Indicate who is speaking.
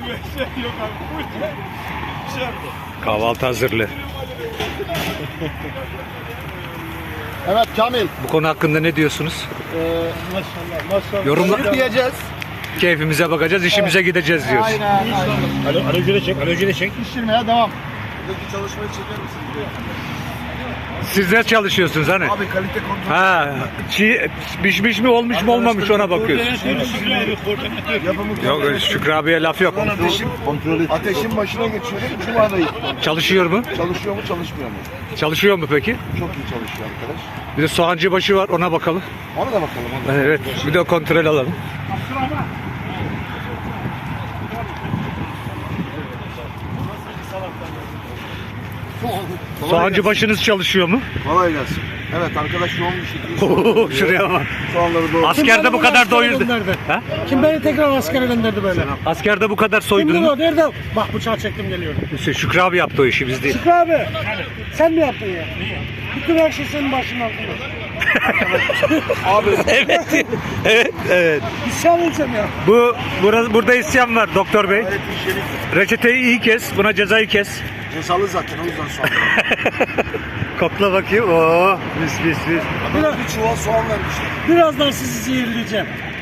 Speaker 1: Yok abi.
Speaker 2: Kahvaltı hazırlı.
Speaker 3: Evet Kamil.
Speaker 2: Bu konu hakkında ne diyorsunuz?
Speaker 1: Maşallah.
Speaker 2: Yorumlar.
Speaker 3: Yiyeceğiz.
Speaker 2: Keyfimize bakacağız, işimize gideceğiz diyoruz.
Speaker 3: Aynen.
Speaker 1: Aracı da çek. Aracı da çek.
Speaker 3: Pişirmeye devam. Buradaki çalışmayı çeker misin?
Speaker 2: Siz de çalışıyorsunuz hani?
Speaker 3: Abi kalite kontrol.
Speaker 2: Ha, pişmiş mi olmuş mu olmamış ona bakıyoruz. Yok Şükrü abiye laf yok.
Speaker 3: Ateşin başına geçiyorum. Cuma'dayım.
Speaker 2: Çalışıyor mu?
Speaker 3: Çalışıyor mu çalışmıyor mu?
Speaker 2: Çalışıyor mu peki?
Speaker 3: Çok iyi çalışıyor arkadaş.
Speaker 2: Bir de soğancı başı var, ona bakalım.
Speaker 3: Ona da bakalım. Ona da.
Speaker 2: Evet, bir de kontrol alalım. Soğancı başınız çalışıyor mu?
Speaker 3: Kolay gelsin. Evet arkadaş yoğun bir şekilde.
Speaker 2: Şuraya bak.
Speaker 3: Soğanları doğru.
Speaker 2: Askerde bu kadar doyurdu. Ha?
Speaker 1: Kim beni tekrar askere gönderdi böyle?
Speaker 2: Askerde bu kadar soydun
Speaker 1: Kimdi
Speaker 2: mu?
Speaker 1: o? Nerede? Bak bıçağı çektim geliyorum.
Speaker 2: Şükrü abi yaptı o işi, biz değil.
Speaker 1: Şükrü abi. Sen mi yaptın ya? Bütün her şey senin başının altında.
Speaker 3: Abi
Speaker 2: Evet, evet, evet.
Speaker 1: İsyan edeceğim ya.
Speaker 2: Burada isyan var doktor bey. Reçeteyi iyi kes, buna cezayı kes.
Speaker 3: cezalı zaten o yüzden soğan.
Speaker 2: Kokla bakayım. Oo, mis mis mis.
Speaker 3: Bir çuval soğan vermişler.
Speaker 1: Birazdan sizi zehirleyeceğim.